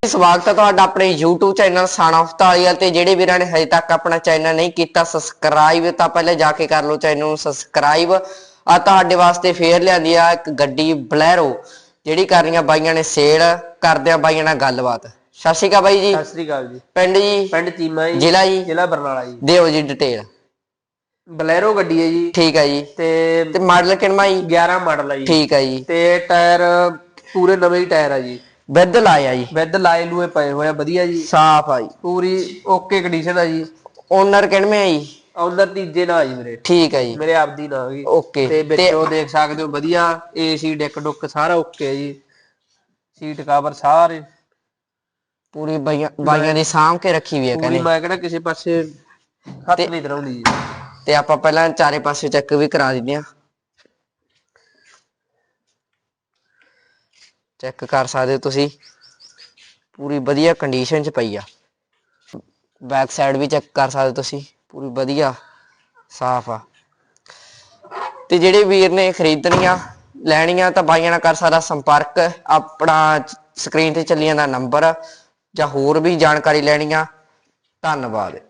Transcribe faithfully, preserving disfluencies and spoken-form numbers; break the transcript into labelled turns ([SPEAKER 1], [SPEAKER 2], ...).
[SPEAKER 1] ਸਵਾਗਤ ਹੈ ਤੁਹਾਡਾ ਆਪਣੇ YouTube channel son of Dhaliwal ਤੇ ਜਿਹੜੇ ਵੀਰਾਂ ਨੇ ਹਜੇ ਤੱਕ ਆਪਣਾ ਚੈਨਲ ਨਹੀਂ ਕੀਤਾ ਸਬਸਕ੍ਰਾਈਬ ਤਾਂ ਪਹਿਲੇ ਜਾ ਕੇ ਕਰ ਲਓ ਚੈਨਲ ਨੂੰ ਸਬਸਕ੍ਰਾਈਬ। ਆ ਤੁਹਾਡੇ ਵਾਸਤੇ ਫੇਰ ਲਿਆਂਦੀ ਆ ਇੱਕ ਗੱਡੀ ਬਲੈਰੋ ਜਿਹੜੀ ਕਰਨੀਆਂ ਬਾਈਆਂ ਨੇ ਸੇਲ ਕਰਦੇ ਆ ਬਾਈਆਂ ਨਾਲ ਗੱਲਬਾਤ। ਸਤਿ ਸ਼੍ਰੀ ਅਕਾਲ ਬਾਈ ਜੀ।
[SPEAKER 2] ਸਤਿ ਸ਼੍ਰੀ ਅਕਾਲ ਜੀ।
[SPEAKER 1] ਪਿੰਡ ਜੀ?
[SPEAKER 2] ਪਿੰਡ ਚੀਮਾ ਜੀ।
[SPEAKER 1] ਜ਼ਿਲ੍ਹਾ ਜੀ?
[SPEAKER 2] ਜ਼ਿਲ੍ਹਾ ਬਰਨਾਲਾ ਜੀ।
[SPEAKER 1] ਦਿਓ ਜੀ ਡਿਟੇਲ।
[SPEAKER 2] ਬਲੈਰੋ ਗੱਡੀ ਹੈ ਜੀ।
[SPEAKER 1] ਠੀਕ ਹੈ ਜੀ।
[SPEAKER 2] ਤੇ
[SPEAKER 1] ਤੇ ਮਾਡਲ ਕਿੰਨਾ ਜੀ?
[SPEAKER 2] ਗਿਆਰਾਂ ਮਾਡਲ ਹੈ ਜੀ।
[SPEAKER 1] ਠੀਕ ਹੈ ਜੀ।
[SPEAKER 2] ਤੇ ਟਾਇਰ ਪੂਰੇ ਨਵੇਂ ਹੀ ਟਾਇਰ ਆ ਜੀ।
[SPEAKER 1] ਵਿਦ ਲਾਇਆ ਜੀ?
[SPEAKER 2] ਵਿਦ ਲਾਏ ਲੂਏ ਪਏ ਹੋਏ ਆ ਵਧੀਆ ਜੀ।
[SPEAKER 1] ਸਾਫ ਆ ਜੀ
[SPEAKER 2] ਪੂਰੀ ਓਕੇ ਕੰਡੀਸ਼ਨ ਆ ਜੀ।
[SPEAKER 1] ਓਨਰ ਕਿੰਨੇ ਆ ਜੀ?
[SPEAKER 2] ਓਨਰ ਤੀਜੇ ਨਾਲ ਜੀ ਮੇਰੇ।
[SPEAKER 1] ਠੀਕ ਹੈ ਜੀ।
[SPEAKER 2] ਮੇਰੇ ਆਪਦੀ ਨਾਲ ਜੀ।
[SPEAKER 1] ਓਕੇ।
[SPEAKER 2] ਤੇ ਵਿੱਚੋਂ ਦੇਖ ਸਕਦੇ ਹੋ ਵਧੀਆ ਏਸੀ ਡਿੱਕ ਡੁੱਕ ਸਾਰਾ ਓਕੇ ਹੈ ਜੀ। ਸੀਟ ਕਵਰ ਸਾਰੇ
[SPEAKER 1] ਪੂਰੀ ਬਾਈਆਂ ਬਾਈਆਂ ਦੀ ਸਾਂਭ ਕੇ ਰੱਖੀ ਵੀ ਹੈ
[SPEAKER 2] ਪੂਰੀ। ਮੈਂ ਕਹਿੰਦਾ ਕਿਸੇ ਪਾਸੇ ਹੱਥ ਨਹੀਂ ਧਰਾਉਂਦੀ ਜੀ।
[SPEAKER 1] ਤੇ ਆਪਾਂ ਪਹਿਲਾਂ ਚਾਰੇ ਪਾਸੇ ਚੈੱਕ ਵੀ ਕਰਾ ਦਿੰਦੇ ਆ। ਚੈੱਕ ਕਰ ਸਕਦੇ ਹੋ ਤੁਸੀਂ ਪੂਰੀ ਵਧੀਆ ਕੰਡੀਸ਼ਨ ਚ ਪਈ ਆ। ਬੈਕ ਸਾਈਡ ਵੀ ਚੈੱਕ ਕਰ ਸਕਦੇ ਤੁਸੀਂ ਪੂਰੀ ਵਧੀਆ ਸਾਫ ਆ। ਤੇ ਜਿਹੜੇ ਵੀਰ ਨੇ ਖਰੀਦਣੀਆਂ ਲੈਣੀਆਂ ਤਾਂ ਬਾਈਆਂ ਨਾਲ ਕਰ ਸਕਦਾ ਸੰਪਰਕ। ਆਪਣਾ ਸਕਰੀਨ ਤੇ ਚੱਲੀ ਜਾਂਦਾ ਨੰਬਰ ਜਾਂ ਹੋਰ ਵੀ ਜਾਣਕਾਰੀ ਲੈਣੀ ਆ। ਧੰਨਵਾਦ।